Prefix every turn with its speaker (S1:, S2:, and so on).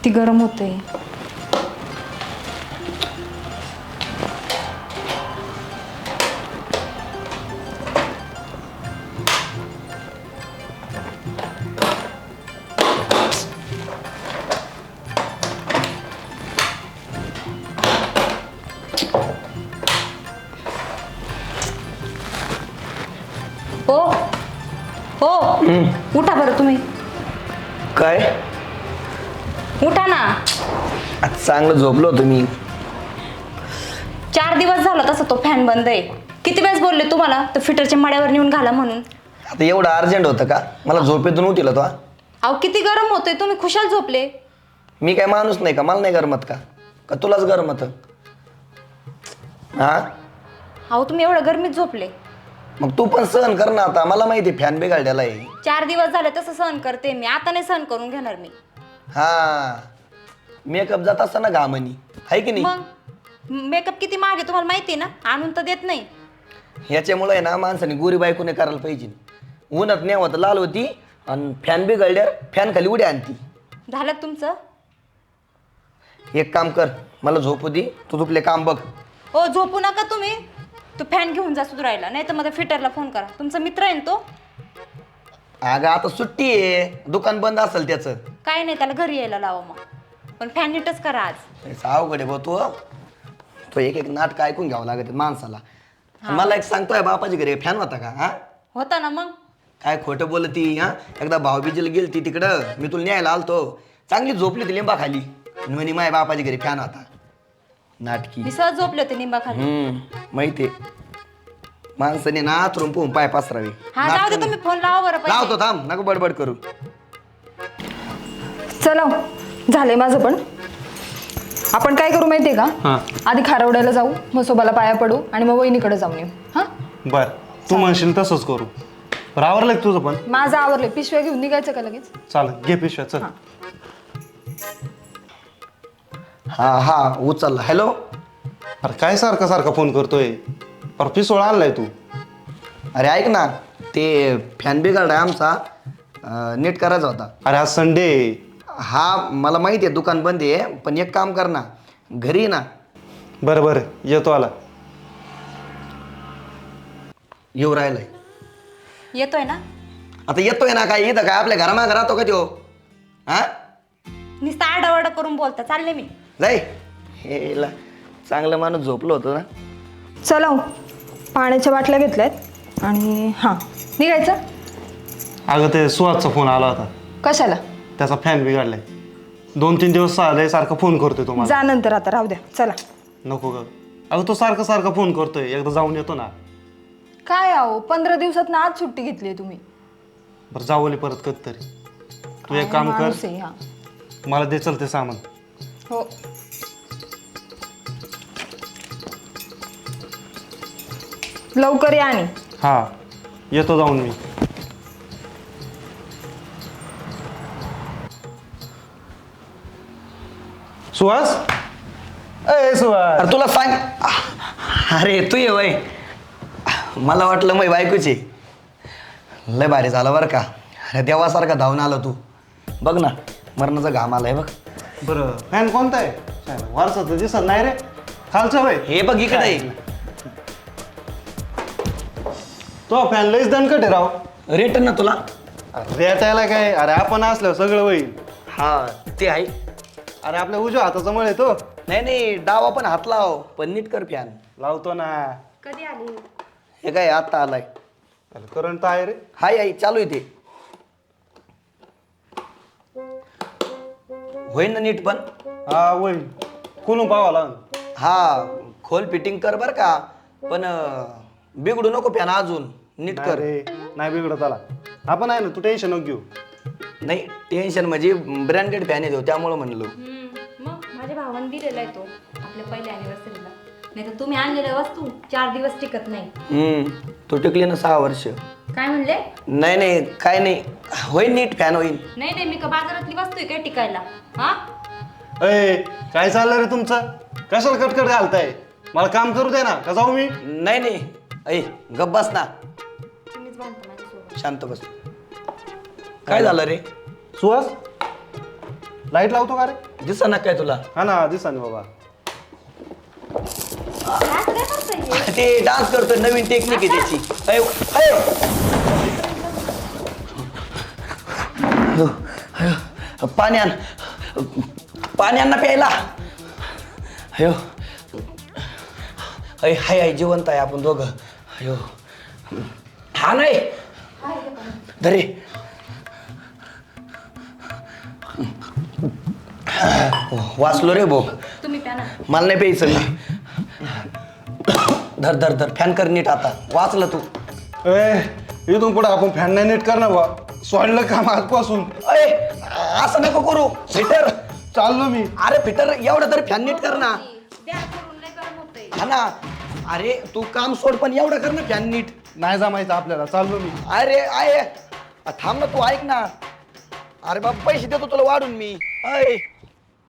S1: किती गरम होतंय. हो हो उठा बरं तुम्ही.
S2: काय
S1: उठा ना.
S2: आज चांगलं झोपलो होतो मी.
S1: 4 दिवस झाला तसं तो फॅन बंद आहे. किती वेळेस बोलले तुम्हाला तर फिटरच्या मड्यावर नेऊन घाला म्हणून.
S2: आता एवढं अर्जंट होतं का मला झोपेतून उठिला तो?
S1: अहो किती गरम होतंय, तुम्ही खुशाल झोपले.
S2: मी काय माणूस नाही का? मला नाही गरमत का? का तुलाच गरमत? हा
S1: अहो तुम्ही एवढं गरमीत झोपले.
S2: मग तू पण सहन कर ना. आता मला माहिती फॅन बिघडलेला आहे.
S1: 4 दिवस झाले तसं सहन करते मी, आता नाही सहन करून घेणार मी.
S2: हा मेकअप जात असताना घामनी आहे की नाही?
S1: मग मेकअप किती महाग आहे तुम्हाला माहिती ना, आणून तर देत नाही.
S2: ह्याच्यामुळे ना माणसाने गोरी बायकोने करायला पाहिजे. उन्हात नेवत लाल होती आणि फॅन बिघडल्यावर फॅन खाली उड्या आणती.
S1: झालं तुमचं?
S2: एक काम कर, मला झोपू दे, तू तुपले काम बघ.
S1: हो झोपू नका तुम्ही. तो फॅन घेऊन जा सुधरायला, नाही तर माझ्या फिटरला फोन करा. तुमचा मित्र आहे ना तो.
S2: अगं आता सुट्टी आहे, दुकान बंद असेल त्याचं.
S1: काय नाही, त्याला घरी यायला लावा मग. पण फॅन नीटच करा आज.
S2: अवघड आहे भाऊ. तो एक एक नाटक ऐकून घ्यावं लागत माणसाला. मला एक सांगतोय, बापाची घरी फॅन होता का? हा
S1: होता ना. मग
S2: काय खोटं बोलती? हा एकदा भाऊबीजीला गेलती तिकडं, मी तुला न्यायला आलतो, चांगली झोपली ती लिंबा खाली, म्हणे माझ्या बापाची घरी फॅन होता. नाटकी.
S1: मी सहज झोपले होते निंबाखाली.
S2: माहितीये माणसाने ना आतरून पोहून पाय पसरावे.
S1: हा जाऊ दे, तुम्ही फोन लावा बरं पहिले.
S2: लावतो, थांब, नको बडबड करू.
S1: चला झालंय माझं पण. आपण काय करू माहितीये का, आधी खारवड्याला जाऊ, म्हसोबाला पाया पडू आणि मग वहिनीकडे जाऊन येऊ. हा
S3: बर, तू म्हणशील तसंच करू. बरं आवरलं का तुझं पण?
S1: माझं आवरलंय. पिशव्या घेऊन निघायचं का लगेच?
S3: चालेल, घे पिशव्या चल.
S2: हा उचलला. हॅलो.
S3: अरे काय सारखा सारखा फोन करतोय? पर पिसोळा आणलाय तू.
S2: अरे ऐक ना, ते फॅन बिघडलाय आमचा, नीट करायचा होता.
S3: अरे आज संडे.
S2: हा मला माहिती आहे दुकान बंद आहे, पण एक काम कर ना, घरी ये ना.
S3: बरं बरं येतो आला.
S2: येऊ राहिलाय.
S1: येतोय ना?
S2: आता येतोय ना काय? इथं काय आपल्या घरामागे राहतो का त्यो? हा
S1: नुसतं आरडाओरडा करून बोलता. चालले मी.
S2: जाई. हे चांगलं माणूस झोपलो होतो ना.
S1: चला पाण्याच्या बाटल्या घेतल्यात आणि हां निघायचं.
S3: अगं ते सुहासचा फोन आला होता.
S1: कशाला?
S3: त्याचा फॅन बिघडलाय. 2-3 दिवस आलाय, सारखा फोन करतोय तुम्हाला.
S1: जा नंतर, आता राहू द्या. चला.
S3: नको ग. अगं तो सारखा सारखा फोन करतोय, एकदा जाऊन येतो ना.
S1: काय आहो 15 दिवसात ना आज सुट्टी घेतली तुम्ही.
S3: बरं जाऊ परत कधीतरी. तू एक काम कर, मला दे चल ते सामान.
S1: हो लवकर या. आणि
S3: हा येतो जाऊन मी. सुहास, अय सुहास.
S2: अरे तुला सांग. अरे तू ये वय. मला वाटलं मग बायकोची. लय भारी झालं बरं का. अरे देवासारखा धावून आला तू. बघ ना, मरणाचा घाम आलाय बघ.
S3: बरं फॅन कोणता आहे? वारसा तर दिसत नाही रे. खालचं वय
S2: हे बघ इकडे.
S3: तो फॅन लईच दणकट आहे राव.
S2: रेट ना तुला.
S3: रेट यायला काय? अरे आपण असल्यावर सगळं होईल.
S2: हा ते आहे.
S3: अरे आपल्या उजव्या हाताचा मळ आहे तो.
S2: नाही डावा पण हात लाव, पण नीट कर फॅन.
S3: लावतो ना.
S1: कधी आली?
S2: हे काय आता आलाय.
S3: करंट आहे रे.
S2: हाय आई चालू आहे ते. होईल ना नीट पण?
S3: हा होईल. खोलून पाहावा लागेल.
S2: हा खोल फिटिंग कर बर का, पण बिघडू नको फॅन अजून. नीट कर.
S3: रे नाही बिघडत आला. आपण आहे ना, तू टेन्शन नको घेऊ.
S2: नाही टेन्शन म्हणजे ब्रँडेड फॅन येतो त्यामुळे म्हणलो.
S1: मग माझ्या भावाने दिलेला आहे तो आपल्या पहिल्या अॅनिव्हर्सरीला. नाही तर तुम्ही आणलेल्या वस्तू 4 दिवस टिकत नाही.
S2: तो टिकली ना 6 वर्ष.
S1: काय म्हणले?
S2: नाही काय नाही, होईल नीट फॅन होईल.
S1: नाही मी का बाजारातली वस्तू आहे काय टिकायला? हा
S3: अय काय चाललं रे तुमचं? कशाला कटकट घालताय? मला काम करू दे ना, का जाऊ मी?
S2: नाही ऐ गप बस ना.
S1: तुम्हीच बांधता माझ्यासोबत.
S2: शांत बस. काय झालं रे?
S3: सुहास लाईट लावतो का रे?
S2: दिसा ना काय तुला
S3: हा ना दिसा ना बाबा.
S2: ते डान्स करतोय नवीन टेक्निक आहे त्याची अयो, अयो. अयो, अयो. पाणी आण ना प्यायला अयो अय हाय हाय जिवंत आहे आपण दोघं अयो हा नाही धरे वाचलो रे भाऊ
S1: तुम्ही प्या ना.
S2: मला नाही प्यायचं धर धर धर फॅन कर नीट आता वाचलं तू
S3: इथून पुढे आपण फॅन नाही नीट करणार बा. सोडलं काम आजपासून.
S2: अय असं नको करू फिटर
S3: चाललो मी.
S2: अरे फिटर एवढं तरी फॅन नीट कर ना हा ना अरे तू काम सोड पण एवढं कर ना फॅन नीट
S3: नाही जमायचं आपल्याला. चाललो मी.
S2: अरे आहे थांब ना तू ऐक ना अरे बाबा पैसे देतो तुला वाढून मी अय